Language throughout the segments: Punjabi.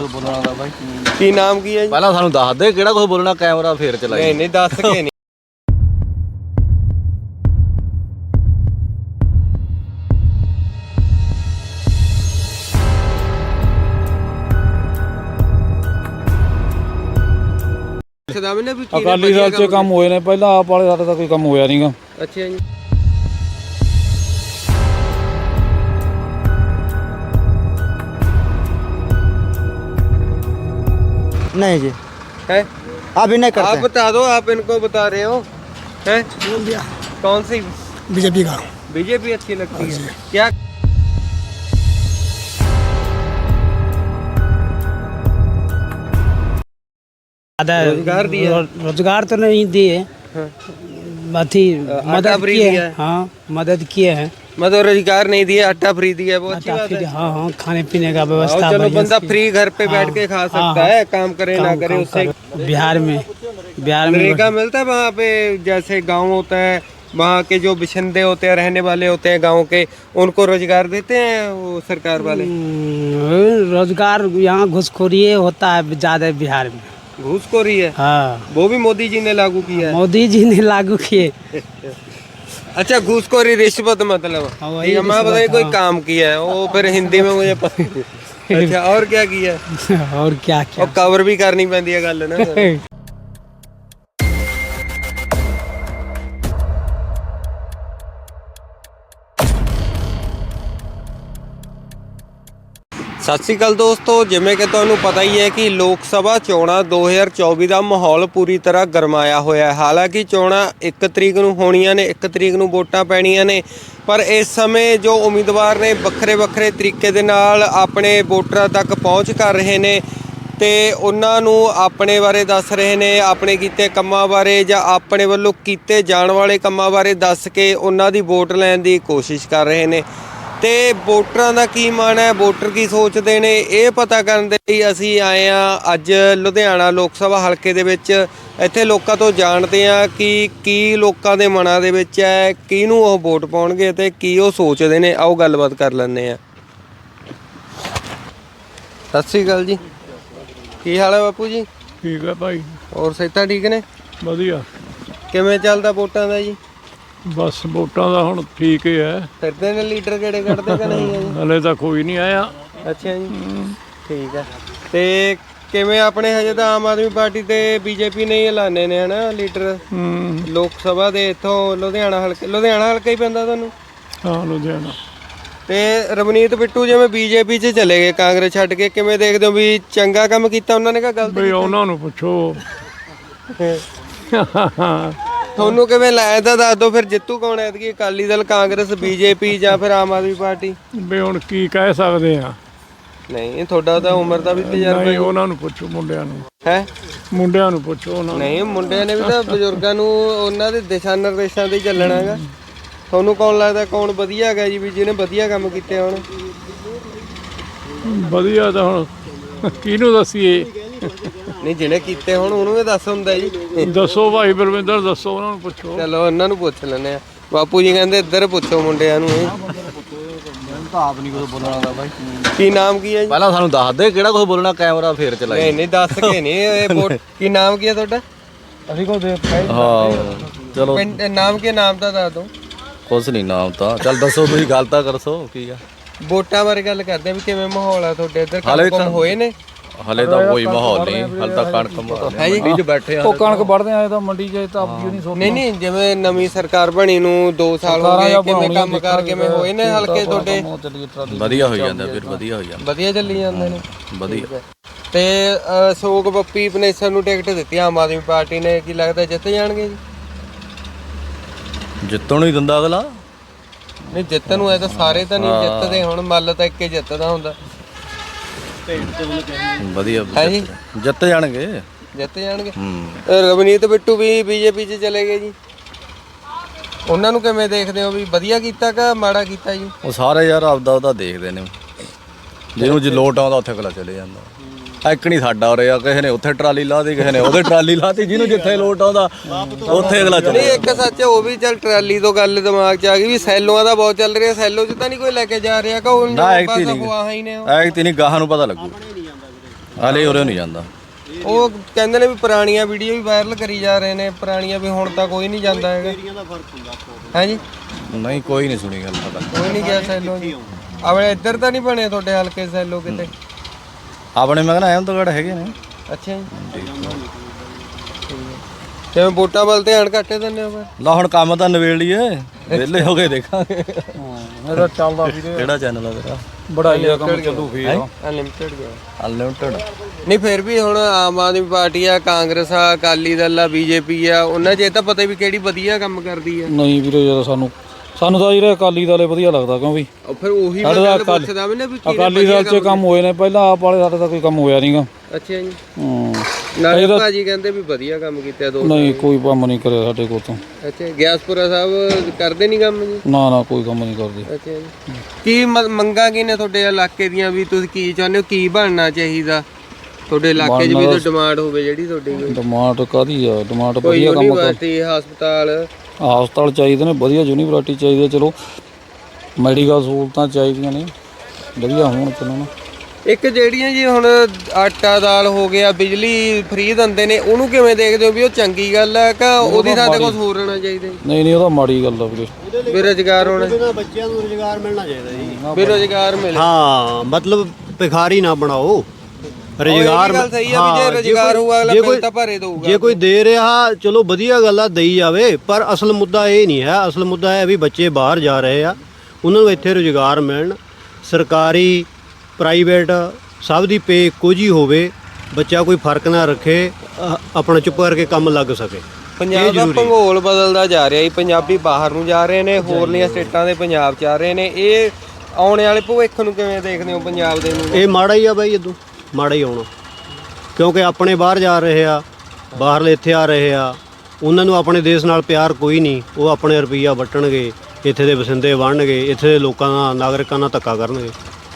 ਕੁਝ ਬੋਲਣਾ ਦਾ ਬਾਈ। ਕੀ ਨਾਮ ਕੀ ਹੈ ਜੀ? ਪਹਿਲਾਂ ਸਾਨੂੰ ਦੱਸ ਦੇ ਕਿਹੜਾ ਕੁਝ ਬੋਲਣਾ, ਕੈਮਰਾ ਫੇਰ ਚਲਾਈ। ਨਹੀਂ ਨਹੀਂ ਦੱਸ ਕੇ ਨਹੀਂ। ਅਕਾਲੀ ਦਲ 'ਚ ਕੰਮ ਹੋਏ ਨੇ, ਪਹਿਲਾਂ ਆਪ ਵਾਲੇ ਸਾਡੇ ਤਾਂ ਕੋਈ ਕੰਮ ਹੋਇਆ ਨਹੀਂਗਾ। ਅੱਛਾ ਜੀ। नहीं जी, है अभी नहीं करते आप बता दो, आप इनको बता रहे हो है? बोल दिया कौन सी बीजेपी का। बीजेपी अच्छी लगती है क्या? रोजगार दिया? रोजगार तो नहीं दिए, हाँ। अथी मदद फ्री किए दिया हैं। है? हाँ, मदद किए हैं। मतलब रोजगार नहीं दिया, आटा फ्री दिया, वो अच्छी आटा बात फ्री, है। हाँ हाँ, खाने पीने का और व्यवस्था चलो बढ़िया बंदा से फ्री घर पे बैठ के खा सकता है, काम करे ना करे उससे। बिहार में नरेगा मिलता है वहाँ पे, जैसे गांव होता है वहाँ के जो बिशंदे होते हैं, रहने वाले होते हैं गांव के, उनको रोजगार देते हैं वो सरकार वाले? रोजगार यहाँ घुसखोरी होता है ज्यादा बिहार में। घूसखोरी है? हाँ, वो भी मोदी जी ने लागू किया है। मोदी जी ने लागू किए। अच्छा, घूसखोरी रिश्वत मतलब हाँ, वही ठीक है, मैं रिश्वत, बताइए कोई हाँ। काम किया है वो फिर हिंदी में मुझे पता। अच्छा, और क्या किया है? और क्या क्या और कवर भी करनी पैंदी है गल ना। ਸਤਿ ਸ਼੍ਰੀ ਅਕਾਲ ਦੋਸਤੋ, ਜਿਵੇਂ ਕਿ ਤੁਹਾਨੂੰ ਪਤਾ ਹੀ ਹੈ ਕਿ ਲੋਕ ਸਭਾ ਚੋਣਾਂ 2024 ਦਾ ਮਾਹੌਲ ਪੂਰੀ ਤਰ੍ਹਾਂ ਗਰਮਾਇਆ ਹੋਇਆ ਹੈ। ਹਾਲਾਂਕਿ ਚੋਣਾਂ 1 ਤਰੀਕ ਨੂੰ ਹੋਣੀਆਂ ਨੇ, 1 ਤਰੀਕ ਨੂੰ ਵੋਟਾਂ ਪੈਣੀਆਂ ਨੇ, ਪਰ ਇਸ ਸਮੇਂ ਜੋ ਉਮੀਦਵਾਰ ਨੇ ਵੱਖਰੇ ਤਰੀਕੇ ਦੇ ਨਾਲ ਆਪਣੇ ਵੋਟਰਾਂ ਤੱਕ ਪਹੁੰਚ ਕਰ ਰਹੇ ਨੇ ਤੇ ਉਹਨਾਂ ਨੂੰ ਆਪਣੇ ਬਾਰੇ ਦੱਸ ਰਹੇ ਨੇ, ਆਪਣੇ ਕੀਤੇ ਕੰਮਾਂ ਬਾਰੇ ਜਾਂ ਆਪਣੇ ਵੱਲੋਂ ਕੀਤੇ ਜਾਣ ਵਾਲੇ ਕੰਮਾਂ ਬਾਰੇ ਦੱਸ ਕੇ ਉਹਨਾਂ ਦੀ ਵੋਟ ਲੈਣ ਦੀ ਕੋਸ਼ਿਸ਼ ਕਰ ਰਹੇ ਨੇ। ਤੇ ਵੋਟਰਾਂ ਦਾ ਕੀ ਮਨ ਹੈ, ਵੋਟਰ ਕੀ ਸੋਚਦੇ ਨੇ, ਇਹ ਪਤਾ ਕਰਨ ਦੇ ਲਈ ਅਸੀਂ ਆਏ ਹਾਂ ਅੱਜ ਲੁਧਿਆਣਾ ਲੋਕ ਸਭਾ ਹਲਕੇ ਦੇ ਵਿੱਚ। ਇੱਥੇ ਲੋਕਾਂ ਤੋਂ ਜਾਣਦੇ ਹਾਂ ਕਿ ਕੀ ਲੋਕਾਂ ਦੇ ਮਨਾਂ ਦੇ ਵਿੱਚ ਹੈ, ਕਿਹਨੂੰ ਉਹ ਵੋਟ ਪਾਉਣਗੇ ਤੇ ਕੀ ਉਹ ਸੋਚਦੇ ਨੇ। ਆਓ ਗੱਲਬਾਤ ਕਰ ਲੈਂਦੇ ਹਾਂ। ਸਤਿ ਸ਼੍ਰੀ ਅਕਾਲ ਜੀ, ਕੀ ਹਾਲ ਹੈ ਬਾਪੂ ਜੀ? ਠੀਕ ਹੈ ਭਾਈ, ਹੋਰ ਸਿਹਤਾਂ ਠੀਕ ਨੇ? ਵਧੀਆ। ਕਿਵੇਂ ਚੱਲਦਾ ਵੋਟਾਂ ਦਾ ਜੀ? ਬਸ ਵੋਟਾਂ ਦਾ ਹੁਣ ਠੀਕ ਹੀ ਹੈ, ਫਿਰਦੇ ਨੇ ਲੀਡਰ ਕਿਹੜੇ ਕੱਢਦੇ ਕਿ ਨਹੀਂ ਹੈ ਜੀ? ਹਲੇ ਤਾਂ ਕੋਈ ਨਹੀਂ ਆਇਆ। ਅੱਛਾ ਜੀ, ਠੀਕ ਹੈ। ਤੇ ਕਿਵੇਂ ਆਪਣੇ ਹਜੇ ਤਾਂ ਆਮ ਆਦਮੀ ਪਾਰਟੀ ਤੇ ਬੀਜੇਪੀ ਨੇ ਹੀ ਐਲਾਨੇ ਨੇ ਹਨਾ ਲੀਡਰ ਲੋਕ ਸਭਾ ਦੇ। ਇੱਥੋਂ ਲੁਧਿਆਣਾ ਹਲਕਾ ਹੀ ਪੈਂਦਾ ਤੁਹਾਨੂੰ? ਹਾਂ, ਲੁਧਿਆਣਾ। ਤੇ ਰਵਨੀਤ ਬਿੱਟੂ ਜਿਵੇਂ ਬੀਜੇਪੀ 'ਚ ਚਲੇ ਗਏ ਕਾਂਗਰਸ ਛੱਡ ਕੇ, ਕਿਵੇਂ ਦੇਖਦੇ ਹੋ ਵੀ ਚੰਗਾ ਕੰਮ ਕੀਤਾ ਉਹਨਾਂ ਨੇ ਕਿ ਗਲਤ? ਬਈ ਉਹਨਾਂ ਨੂੰ ਪੁੱਛੋ। ਤੁਹਾਨੂੰ ਕਿਵੇਂ ਲੱਗਦਾ ਤਾਂ ਦੱਸ ਦਿਓ ਫਿਰ, ਜਿੱਤੂ ਕੌਣ ਹੈ ਐਤਕੀ? ਅਕਾਲੀ ਦਲ, ਕਾਂਗਰਸ, ਬੀਜੇਪੀ ਜਾਂ ਫਿਰ ਆਮ ਆਦਮੀ ਪਾਰਟੀ? ਬਈ ਹੁਣ ਕੀ ਕਹਿ ਸਕਦੇ ਆ? ਨਹੀਂ, ਤੁਹਾਡਾ ਤਾਂ ਉਮਰ ਦਾ ਵੀ ਤਜਰਬਾ ਨਹੀਂ, ਉਹਨਾਂ ਨੂੰ ਪੁੱਛੋ, ਮੁੰਡਿਆਂ ਨੂੰ। ਹੈ? ਮੁੰਡਿਆਂ ਨੂੰ ਪੁੱਛੋ ਉਹਨਾਂ ਨੂੰ। ਨਹੀਂ, ਮੁੰਡਿਆਂ ਨੇ ਵੀ ਤਾਂ ਬਜ਼ੁਰਗਾਂ ਨੂੰ ਉਹਨਾਂ ਦੇ ਦਿਸ਼ਾ ਨਿਰਦੇਸ਼ਾਂ ਤੇ ਹੀ ਚੱਲਣਾ ਹੈਗਾ। ਤੁਹਾਨੂੰ ਕੌਣ ਲੱਗਦਾ ਕੌਣ ਵਧੀਆ ਹੈਗਾ ਜੀ, ਵੀ ਜਿਹਨੇ ਵਧੀਆ ਕੰਮ ਕੀਤੇ ਹੋਣ? ਵਧੀਆ ਤਾਂ ਹੁਣ ਕਿਹਨੂੰ ਦੱਸੀਏ? ਨਹੀਂ, ਜਿਹਨੇ ਕੀਤੇ ਹੋਣ ਉਹਨੂੰ ਵੀ ਦੱਸ ਹੁੰਦਾ ਜੀ। ਦੱਸੋ ਭਾਈ ਬਲਵਿੰਦਰ, ਦੱਸੋ, ਉਹਨਾਂ ਨੂੰ ਪੁੱਛੋ। ਚਲੋ ਉਹਨਾਂ ਨੂੰ ਪੁੱਛ ਲੈਂਦੇ ਆ। ਬਾਪੂ ਜੀ ਕਹਿੰਦੇ ਇੱਧਰ ਪੁੱਛੋ ਮੁੰਡਿਆਂ ਨੂੰ। ਤਾਂ ਆਪ ਨਹੀਂ ਕੁਝ ਬੋਲਣਾ ਦਾ ਬਾਈ। ਕੀ ਨਾਮ ਕੀ ਹੈ ਜੀ? ਪਹਿਲਾਂ ਸਾਨੂੰ ਦੱਸ ਦੇ ਕਿਹੜਾ ਕੁਝ ਬੋਲਣਾ, ਕੈਮਰਾ ਫੇਰ ਚਲਾਈ। ਨਹੀਂ ਨਹੀਂ ਦੱਸ ਕੇ ਨਹੀਂ। ਇਹ ਵੋਟ ਕੀ ਨਾਮ ਕੀ ਹੈ ਤੁਹਾਡਾ? ਅਸੀਂ ਕੋ ਦੇ ਹਾਂ ਚਲੋ, ਪਿੰਡ ਨਾਮ ਕੀ, ਨਾਮ ਤਾਂ ਦੱਸ ਦਿਓ। ਕੁਛ ਨਹੀਂ ਨਾਮ ਤਾਂ। ਚੱਲ ਦੱਸੋ, ਤੁਸੀਂ ਗੱਲ ਤਾਂ ਕਰਸੋ ਕੀ ਆ। ਵੋਟਾਂ ਬਾਰੇ ਗੱਲ ਕਰਦੇ ਆ ਵੀ ਕਿਵੇਂ ਮਾਹੌਲ ਆ ਤੁਹਾਡੇ ਇੱਧਰ? ਹਾਲੇ ਕੰਮ ਤਾਂ ਹੋਏ ਨੇ? ਹਲੇ ਤਾਂ ਕੋਈ ਮਾਹੌਲ ਨਹੀਂ, ਹਲੇ ਤਾਂ ਕਣਕ ਮੰਡੀ 'ਚ ਬੈਠੇ ਆ। ਉਹ ਕਣਕ ਵੜਦੇ ਆਏ ਤਾਂ ਮੰਡੀ 'ਚ ਤਾਂ ਆਪਦੀ ਨਹੀਂ ਸੋਚ। ਨਹੀਂ ਜਿਵੇਂ ਨਵੀਂ ਸਰਕਾਰ ਬਣੀ ਨੂੰ 2 ਸਾਲ ਹੋ ਗਏ, ਕਿਵੇਂ ਕੰਮ ਕਾਰ ਕਿਵੇਂ ਹੋਏ ਨੇ ਹਲਕੇ ਤੁਹਾਡੇ? ਵਧੀਆ ਹੋਈ ਜਾਂਦਾ ਫਿਰ, ਵਧੀਆ ਹੋਈ ਜਾਂਦਾ, ਵਧੀਆ ਚੱਲੀ ਜਾਂਦੇ ਨੇ, ਵਧੀਆ। ਤੇ ਅਸ਼ੋਕ ਬੱਪੀ ਪਨੇਸਰ ਨੂੰ ਟਿਕਟ ਦਿੱਤੀ ਆਮ ਆਦਮੀ ਪਾਰਟੀ ਨੇ, ਕੀ ਲੱਗਦਾ ਜਿੱਤ ਜਾਣਗੇ ਜੀ? ਜਿੱਤਣ ਨੂੰ ਹੀ ਦਿੰਦਾ ਅਗਲਾ। ਨਹੀਂ, ਜਿੱਤਣ ਨੂੰ ਐ ਤਾਂ ਸਾਰੇ ਤਾਂ ਨਹੀਂ ਜਿੱਤਦੇ, ਹੁਣ ਮੱਲ ਤਾਂ ਇੱਕੇ ਜਿੱਤਦਾ ਹੁੰਦਾ। ਵਧੀਆ ਹੈ ਜੀ, ਜਿੱਤ ਜਾਣਗੇ। ਜਿੱਤ ਜਾਣਗੇ। ਰਵਨੀਤ ਬਿੱਟੂ ਵੀ ਬੀਜੇਪੀ 'ਚ ਚਲੇ ਗਏ ਜੀ, ਉਹਨਾਂ ਨੂੰ ਕਿਵੇਂ ਦੇਖਦੇ ਹੋ ਵੀ ਵਧੀਆ ਕੀਤਾ ਕਿ ਮਾੜਾ ਕੀਤਾ ਜੀ? ਉਹ ਸਾਰੇ ਯਾਰ ਆਪਦਾ ਉਹਦਾ ਦੇਖਦੇ ਨੇ, ਜਿਹਨੂੰ ਜੇ ਲੋਟ ਆਉਂਦਾ ਉੱਥੇ ਅਗਲਾ ਚਲੇ ਜਾਂਦਾ। ਇੱਕ ਨਹੀਂ ਸਾਡਾ ਹੋ ਰਿਹਾ, ਕਿਸੇ ਨੇ ਉੱਥੇ ਟਰਾਲੀ ਲਾਤੀ, ਕਿਸੇ ਨੇ ਉਹਦੇ ਟਰਾਲੀ ਲਾਤੀ, ਜਿਹਨੂੰ ਜਿੱਥੇ ਲੋਟ ਆਉਂਦਾ ਉੱਥੇ ਅਗਲਾ ਚਲੇ। ਨਹੀਂ, ਇੱਕ ਸੱਚ ਉਹ ਵੀ ਚੱਲ ਟਰਾਲੀ ਤੋਂ ਗੱਲ ਦਿਮਾਗ 'ਚ ਆ ਗਈ ਵੀ ਸੈਲੋਆਂ ਦਾ ਬਹੁਤ ਚੱਲ ਰਿਹਾ, ਸੈਲੋ 'ਚ ਤਾਂ ਨਹੀਂ ਕੋਈ ਲੈ ਕੇ ਜਾ ਰਿਹਾ ਕਿ ਉਹ ਨਾ? ਐਕਤੀ ਨਹੀਂ, ਐਕਤੀ ਨਹੀਂ, ਗਾਹਾਂ ਨੂੰ ਪਤਾ ਲੱਗੂ। ਹਾਲੇ ਉਰੇ ਨਹੀਂ ਜਾਂਦਾ। ਉਹ ਕਹਿੰਦੇ ਨੇ ਵੀ ਪੁਰਾਣੀਆਂ ਵੀਡੀਓ ਵੀ ਵਾਇਰਲ ਕਰੀ ਜਾ ਰਹੇ ਨੇ, ਪੁਰਾਣੀਆਂ ਵੀ ਹੁਣ ਤਾਂ ਕੋਈ ਨਹੀਂ ਜਾਂਦਾ ਹੈਗਾ। ਹੈ ਜੀ, ਨਹੀਂ ਕੋਈ ਨਹੀਂ ਸੁਣੀ ਗੱਲ ਪਤਾ। ਕੋਈ ਨਹੀਂ ਗਿਆ ਸੈਲੋ ਜੀ। ਆਪਣੇ ਇੱਧਰ ਤਾਂ ਨਹੀਂ ਬਣੇ ਤੁਹਾਡੇ ਹਲਕੇ ਸੈਲੋ ਕਿਤੇ? ਆਪਣੇ ਮੈਂ ਕਹਿੰਦਾ ਅਹਿਮਦਗੜ੍ਹ ਹੈਗੇ ਨੇ। ਅੱਛਾ ਜੀ, ਕਿਵੇਂ ਵੋਟਾਂ ਵੱਲ ਧਿਆਨ ਘੱਟੇ ਦਿੰਦੇ ਹੋ ਫਿਰ? ਲਾ ਹੁਣ ਕੰਮ ਤਾਂ ਨਵੇੜ ਲਈਏ, ਵਿਹਲੇ ਹੋ ਕੇ ਦੇਖਾਂਗੇ। ਇਹਦਾ ਚੱਲਦਾ ਵੀਰੇ, ਕਿਹੜਾ ਚੈਨਲ ਆ ਤੇਰਾ? ਬੜਾ ਹੀ ਕੰਮ ਚੱਲੂ ਫੇਰ। ਅਨਲਿਮਟਿਡ ਗਿਆ। ਅਨਲਿਮਟਿਡ। ਨਹੀਂ ਫਿਰ ਵੀ ਹੁਣ ਆਮ ਆਦਮੀ ਪਾਰਟੀ ਆ, ਕਾਂਗਰਸ ਆ, ਅਕਾਲੀ ਦਲ ਆ, ਬੀਜੇਪੀ ਆ, ਉਹਨਾਂ 'ਚ ਇਹ ਤਾਂ ਪਤਾ ਵੀ ਕਿਹੜੀ ਵਧੀਆ ਕੰਮ ਕਰਦੀ ਆ। ਨਹੀਂ ਵੀਰੇ ਜਦੋਂ ਸਾਨੂੰ ਤਾਂ ਜਿਹੜੇ ਅਕਾਲੀ ਦਲ ਵਧੀਆ ਲੱਗਦਾ, ਕਿਉਂ ਵੀ ਉਹ ਫਿਰ ਉਹੀ ਸਾਡੇ ਮੈਂ ਦਾ ਗੱਲ ਪੁੱਛਦਾ ਵੀ ਨਾ ਵੀ ਕਿਹੜੇ ਅਕਾਲੀ ਦਲ 'ਚ ਕੰਮ ਹੋਏ ਨੇ ਪਹਿਲਾਂ, ਆਪ ਵਾਲੇ ਸਾਡੇ ਤਾਂ ਕੋਈ ਕੰਮ ਹੋਇਆ ਨਹੀਂਗਾ। ਅੱਛਾ ਜੀ, ਹੂੰ, ਨਾਲੇ ਭਾਜੀ ਕਹਿੰਦੇ ਵੀ ਵਧੀਆ ਕੰਮ ਕੀਤਾ ਦੋ। ਨਹੀਂ ਕੋਈ ਕੰਮ ਨਹੀਂ ਕਰਿਆ ਸਾਡੇ ਕੋਲ ਤੋਂ। ਅੱਛਾ, ਗਿਆਸਪੁਰਾ ਸਾਹਿਬ ਕਰਦੇ ਨਹੀਂ ਕੰਮ ਜੀ? ਨਾ ਕੋਈ ਕੰਮ ਨਹੀਂ ਕਰਦੇ। ਅੱਛਾ ਜੀ, ਕੀ ਮੰਗਾਂ ਕੀ ਨੇ ਤੁਹਾਡੇ ਇਲਾਕੇ ਦੀਆਂ, ਵੀ ਤੁਸੀਂ ਕੀ ਚਾਹੁੰਦੇ ਹੋ, ਕੀ ਬਣਨਾ ਚਾਹੀਦਾ ਤੁਹਾਡੇ ਇਲਾਕੇ 'ਚ ਵੀ ਕੋਈ ਡਿਮਾਂਡ ਹੋਵੇ ਜਿਹੜੀ ਤੁਹਾਡੀ? ਕੋਈ ਡਿਮਾਂਡ ਕਾਹਦੀ ਆ? ਡਿਮਾਂਡ ਕੋਈ ਵਧੀਆ ਕੰਮ ਕਰ, ਯੂਨੀਵਰਸਿਟੀ, ਹਸਪਤਾਲ, ਹਸਪਤਾਲ ਚਾਹੀਦੇ ਨੇ, ਵਧੀਆ ਯੂਨੀਵਰਸਿਟੀ ਚਾਹੀਦੀ ਹੈ, ਚਲੋ ਮੈਡੀਕਲ ਸਹੂਲਤਾਂ ਚਾਹੀਦੀਆਂ ਨੇ, ਵਧੀਆ ਹੋਣ ਚਲੋ ਨਾ। ਇੱਕ ਜਿਹੜੀਆਂ ਜੀ ਹੁਣ ਆਟਾ ਦਾਲ ਹੋ ਗਿਆ, ਬਿਜਲੀ ਫ੍ਰੀ ਦਿੰਦੇ ਨੇ, ਉਹਨੂੰ ਕਿਵੇਂ ਦੇਖਦੇ ਹੋ ਵੀ ਉਹ ਚੰਗੀ ਗੱਲ ਹੈ ਕਿ ਉਹਦੀ ਥਾਂ ਤੇ ਕੁਝ ਹੋਰ ਹੋਣਾ ਚਾਹੀਦਾ? ਨਹੀਂ ਉਹ ਤਾਂ ਮਾੜੀ ਗੱਲ ਆ ਵੀਰੇ। ਬੇਰੁਜ਼ਗਾਰ ਹੋਣਾ, ਬੱਚਿਆਂ ਨੂੰ ਰੁਜ਼ਗਾਰ ਮਿਲਣਾ ਚਾਹੀਦਾ ਜੀ। ਬੇਰੁਜ਼ਗਾਰ ਮਿਲੇ। ਹਾਂ, ਮਤਲਬ ਭਿਖਾਰੀ ਨਾ ਬਣਾਓ, ਰੁਜ਼ਗਾਰ। ਗੱਲ ਸਹੀ ਆ ਵੀ ਜੇ ਰੁਜ਼ਗਾਰ ਹੋਊਗਾ ਅਗਲਾ ਬਿੱਲ ਤਾਂ ਭਰੇ ਦਊਗਾ। ਜੇ ਕੋਈ ਦੇ ਰਿਹਾ ਚਲੋ ਵਧੀਆ ਗੱਲ ਆ, ਦੇਈ ਜਾਵੇ, ਪਰ ਅਸਲ ਮੁੱਦਾ ਇਹ ਨਹੀਂ ਹੈ। ਅਸਲ ਮੁੱਦਾ ਹੈ ਵੀ ਬੱਚੇ ਬਾਹਰ ਜਾ ਰਹੇ ਆ, ਉਹਨਾਂ ਨੂੰ ਇੱਥੇ ਰੁਜ਼ਗਾਰ ਮਿਲਣ। ਸਰਕਾਰੀ ਪ੍ਰਾਈਵੇਟ ਸਭ ਦੀ ਪੇ ਇੱਕੋ ਜਿਹੀ ਹੋਵੇ, ਬੱਚਾ ਕੋਈ ਫਰਕ ਨਾ ਰੱਖੇ, ਆਪਣਾ ਚੁੱਪ ਕਰਕੇ ਕੰਮ ਲੱਗ ਸਕੇ। ਪੰਜਾਬ ਦਾ ਭੂਗੋਲ ਬਦਲਦਾ ਜਾ ਰਿਹਾ ਜੀ, ਪੰਜਾਬੀ ਬਾਹਰ ਨੂੰ ਜਾ ਰਹੇ ਨੇ, ਹੋਰਲੀਆਂ ਸਟੇਟਾਂ ਦੇ ਪੰਜਾਬ 'ਚ ਆ ਰਹੇ ਨੇ। ਇਹ ਆਉਣ ਵਾਲੇ ਭਵਿੱਖ ਨੂੰ ਕਿਵੇਂ ਦੇਖਦੇ ਹੋ ਪੰਜਾਬ ਦੇ ਨੂੰ? ਇਹ ਮਾੜਾ ਹੀ ਆ ਬਾਈ, ਇਦੋਂ ਮਾੜਾ ਹੀ ਆਉਣਾ, ਕਿਉਂਕਿ ਆਪਣੇ ਬਾਹਰ ਜਾ ਰਹੇ ਆ, ਬਾਹਰਲੇ ਇੱਥੇ ਆ ਰਹੇ ਆ, ਉਹਨਾਂ ਨੂੰ ਆਪਣੇ ਦੇਸ਼ ਨਾਲ ਪਿਆਰ ਕੋਈ ਨਹੀਂ। ਉਹ ਆਪਣੇ ਰੁਪਈਆ ਵੱਟਣਗੇ, ਇੱਥੇ ਦੇ ਵਸਿੰਦੇ ਬਣਨਗੇ, ਇੱਥੇ ਦੇ ਲੋਕਾਂ ਨਾਲ, ਨਾਗਰਿਕਾਂ ਨਾਲ ਧੱਕਾ ਕਰਨਗੇ।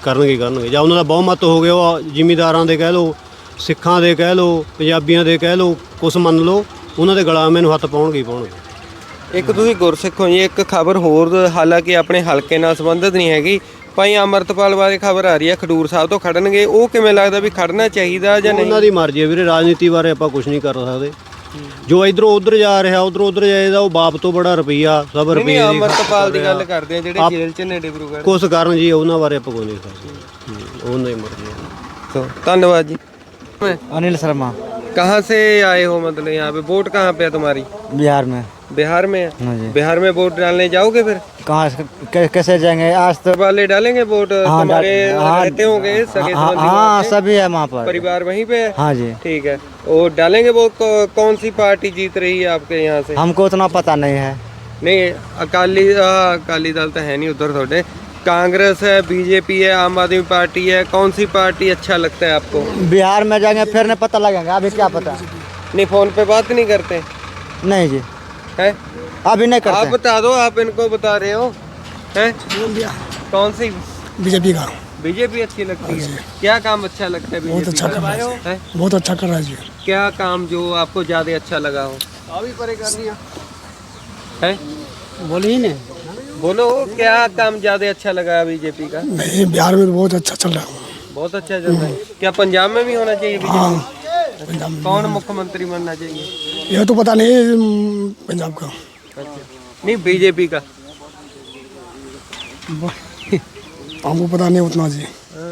ਜਾਂ ਉਹਨਾਂ ਦਾ ਬਹੁਮਤ ਹੋ ਗਿਆ, ਉਹ ਜ਼ਿਮੀਂਦਾਰਾਂ ਦੇ ਕਹਿ ਲਓ, ਸਿੱਖਾਂ ਦੇ ਕਹਿ ਲਓ, ਪੰਜਾਬੀਆਂ ਦੇ ਕਹਿ ਲਓ, ਕੁਛ ਮੰਨ ਲਓ, ਉਹਨਾਂ ਦੇ ਗੁਲਾਮੇ ਨੂੰ ਹੱਥ ਪਾਉਣਗੇ ਹੀ ਪਾਉਣਗੇ। ਇੱਕ ਤੁਸੀਂ ਗੁਰਸਿੱਖ ਹੋ ਜੀ, ਇੱਕ ਖਬਰ ਹੋਰ, ਹਾਲਾਂਕਿ ਆਪਣੇ ਹਲਕੇ ਨਾਲ ਸੰਬੰਧਿਤ ਨਹੀਂ ਹੈਗੀ, ਭਾਈ ਅਮਰਤਪਾਲ ਬਾਰੇ ਖਬਰ ਆ ਰਹੀ ਹੈ ਖਡੂਰ ਸਾਹਿਬ ਤੋਂ ਖੜਨਗੇ। ਉਹ ਕਿਵੇਂ ਲੱਗਦਾ ਵੀ ਖੜਨਾ ਚਾਹੀਦਾ ਜਾਂ ਨਹੀਂ? ਉਹਨਾਂ ਦੀ ਮਰਜ਼ੀ ਹੈ ਵੀਰੇ, ਰਾਜਨੀਤੀ ਬਾਰੇ ਆਪਾਂ ਕੁਝ ਨਹੀਂ ਕਰ ਸਕਦੇ। ਜੋ ਇਧਰੋਂ ਉਧਰ ਜਾ ਰਿਹਾ, ਉਧਰੋਂ ਉਧਰ ਜਾਏਦਾ, ਉਹ ਬਾਪ ਤੋਂ ਬੜਾ ਰੁਪਈਆ, ਸਭ ਰੁਪਈਏ ਦੀ। ਅਮਰਤਪਾਲ ਦੀ ਗੱਲ ਕਰਦੇ ਆ ਜਿਹੜੇ ਜੇਲ੍ਹ 'ਚ ਨੇ ਡਿਬਰੂਗੜ੍ਹ। ਕੁਛ ਕਰਨ ਜੀ, ਉਹਨਾਂ ਬਾਰੇ ਆਪਾਂ ਕੋਈ ਨਹੀਂ ਕਰ ਸਕਦੇ। ਉਹਨਾਂ ਦੀ ਮਰਜ਼ੀ ਹੈ। ਧੰਨਵਾਦ जी। अनिल शर्मा, कहाँ से आए हो, मतलब यहाँ पे वोट कहाँ पे है तुम्हारी? बिहार में। बिहार में है? हाँ जी। बिहार में वोट डालने जाओगे फिर? कहाँ कैसे जाएंगे? आज तो वाले डालेंगे वोट? हाँ, तुम्हारे हाँ, रहते होंगे सगे हाँ, संबंधी हाँ वहाँ पे? सभी है वहाँ पर। परिवार वहीं पे है? हाँ जी। ठीक है, वो डालेंगे वोट। कौन सी पार्टी जीत रही है आपके यहाँ से? हमको उतना पता नहीं है। नहीं, अकाली दल तो है नहीं उधर थोड़े, कांग्रेस है, बीजेपी है, आम आदमी पार्टी है, कौन सी पार्टी अच्छा लगता है आपको? बिहार में जाएंगे फिर नहीं पता लगेगा, अभी क्या पता। नहीं, फोन पे बात नहीं करते नहीं जी, हैं? अभी नहीं आप करते। बता दो, आप इनको बता रहे हो हैं? कौन सी? बीजेपी का बीजेपी अच्छी लगती है? क्या काम अच्छा लगता है बीजेपी? अच्छा कर रहा है? बहुत अच्छा कर रहा है जी। क्या काम जो आपको ज्यादा अच्छा लगा हो? है? बोलिए ना। बोलो, क्या काम ज्यादा अच्छा लगा बीजेपी का? नहीं, बिहार में तो बहुत अच्छा चल रहा है। बहुत अच्छा चल रहा है। क्या पंजाब में भी होना चाहिए बीजेपी? हाँ, पंजाब में। कौन मुख्यमंत्री बनना चाहिए? यह तो पता नहीं पंजाब का। अच्छा, नहीं बीजेपी का। हमको पता नहीं उतना जी।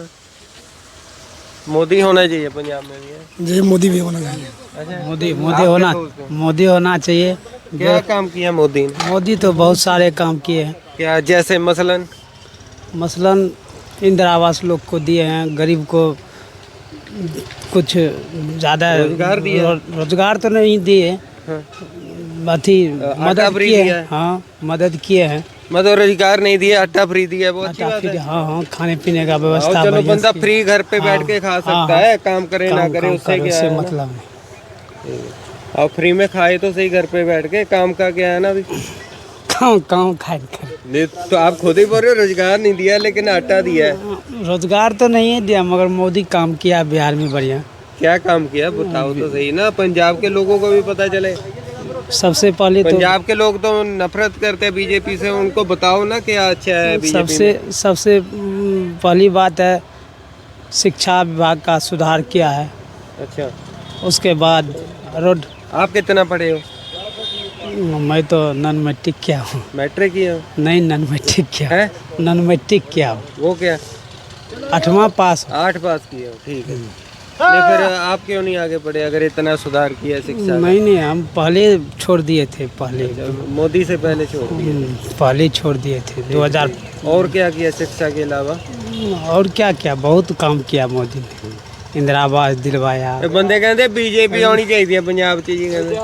मोदी होना चाहिए पंजाब में भी है? जी, मोदी भी होना चाहिए। अच्छा, मोदी होना चाहिए। क्या काम किया मोदी ने? मोदी तो बहुत सारे काम किए हैं, क्या जैसे मसलन? मसलन इंदिरा आवास लोग को दिए हैं, गरीब को कुछ ज़्यादा रोजगार दिया? रोजगार तो नहीं दिए, हाँ। अथी मदद फ्री किए दिया हैं। है? हाँ, मदद किए हैं। मतलब रोजगार नहीं दिया, आटा फ्री दिया, वो अच्छी आटा बात फ्री, है। हाँ, खाने पीने का और व्यवस्था चलो बढ़िया बंदा से फ्री घर पे बैठ के खा सकता है, काम करे ना करे उससे क्या है ना? मतलब नहीं। और फ्री में खाए तो सही घर पे बैठ के, काम का क्या है ना अभी? काम खाए नहीं, तो आप खुद ही बोल रहे हो रोजगार नहीं दिया लेकिन आटा दिया है। रोजगार तो नहीं है दिया, मगर मोदी काम किया बिहार में बढ़िया। क्या काम किया बताओ तो सही ना, पंजाब के लोगों को भी पता चले। सबसे पहले तो पंजाब के लोग तो नफरत करते हैं बीजेपी से, उनको बताओ ना क्या अच्छा है बीजेपी में। सबसे पहली बात है शिक्षा विभाग का सुधार किया है। अच्छा, उसके बाद रोड, आप कितना पढ़े हो? मैं तो नॉन मैट्रिक किया हूँ। मैट्रिक किए हो? नहीं, नॉन मैट्रिक किया, है नॉन मैट्रिक किया हूँ। वो क्या? 8वां पास। 8 पास किए हो, ठीक है। नहीं, फिर आप क्यों नहीं आगे पढ़े अगर इतना सुधार किया शिक्षा का? नहीं, हम पहले छोड़ दिए थे, पहले मोदी से पहले छोड़ दिए। पहले छोड़ दिए थे 2000। और क्या किया शिक्षा के अलावा? और क्या क्या, बहुत काम किया मोदी ने। इंदिरा आवास दिलवाया। ਇਹ ਬੰਦੇ ਕਹਿੰਦੇ ਬੀਜੇਪੀ ਆਉਣੀ ਚਾਹੀਦੀ ਹੈ ਪੰਜਾਬ 'ਚ ਜੀ ਕਹਿੰਦੇ।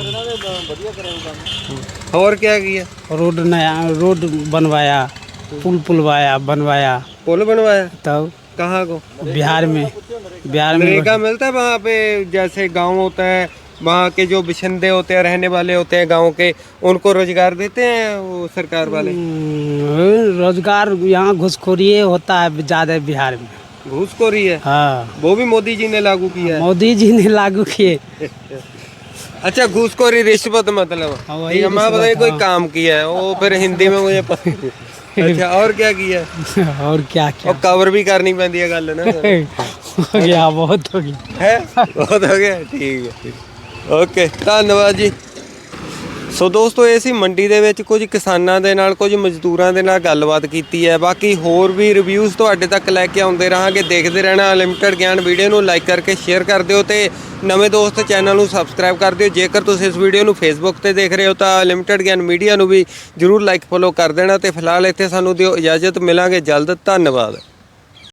ਹੋਰ क्या किया? रोड नया रोड बनवाया, पुल बनवाया। पुल बनवाया? तब कहाँ को? बिहार में नरेगा मिलता है वहाँ पे? जैसे गांव होता है वहाँ के जो बिशंदे होते हैं, रहने वाले होते हैं गांव के, उनको रोजगार देते हैं वो सरकार वाले? रोजगार यहाँ घुसखोरी होता है ज्यादा बिहार में। घूसखोरी है? हाँ, वो भी मोदी जी ने लागू किया है। मोदी जी ने लागू किए। अच्छा, घूसखोरी रिश्वत मतलब? हाँ, वही ठीक है, मैं रिश्वत, बताइए कोई हाँ। काम किया है वो फिर हिंदी में मुझे पता नहीं। अच्छा, और क्या किया? और क्या क्या और कवर भी करनी पैंदी है गल ना। हो गया, बहुत हो गया है बहुत हो ਗਿਆ ਠੀਕ ਹੈ ਓਕੇ ਧੰਨਵਾਦ ਜੀ। ਸੋ ਦੋਸਤੋ ਇਹ ਸੀ ਮੰਡੀ ਦੇ ਵਿੱਚ ਕੁਝ ਕਿਸਾਨਾਂ ਦੇ ਨਾਲ ਕੁਝ ਮਜ਼ਦੂਰਾਂ ਦੇ ਨਾਲ ਗੱਲਬਾਤ ਕੀਤੀ ਹੈ। ਬਾਕੀ ਹੋਰ ਵੀ ਰਿਵਿਊਜ਼ ਤੁਹਾਡੇ ਤੱਕ ਲੈ ਕੇ ਆਉਂਦੇ ਰਹਾਂਗੇ। ਦੇਖਦੇ ਰਹਿਣਾ ਅਨਲਿਮਿਟਿਡ ਗਿਆਨ। ਵੀਡੀਓ ਨੂੰ ਲਾਈਕ ਕਰਕੇ ਸ਼ੇਅਰ ਕਰ ਦਿਓ ਤੇ ਨਵੇਂ ਦੋਸਤ ਚੈਨਲ ਨੂੰ ਸਬਸਕ੍ਰਾਈਬ ਕਰ ਦਿਓ। ਜੇਕਰ ਤੁਸੀਂ ਇਸ ਵੀਡੀਓ ਨੂੰ ਫੇਸਬੁੱਕ ਤੇ ਦੇਖ ਰਹੇ ਹੋ ਤਾਂ ਅਨਲਿਮਿਟਿਡ ਗਿਆਨ ਮੀਡੀਆ ਨੂੰ ਵੀ ਜਰੂਰ ਲਾਈਕ ਫੋਲੋ ਕਰ ਦੇਣਾ। ਤੇ ਫਿਲਹਾਲ ਇੱਥੇ ਸਾਨੂੰ ਦਿਓ ਇਜਾਜ਼ਤ, ਮਿਲਾਂਗੇ ਜਲਦ। ਧੰਨਵਾਦ।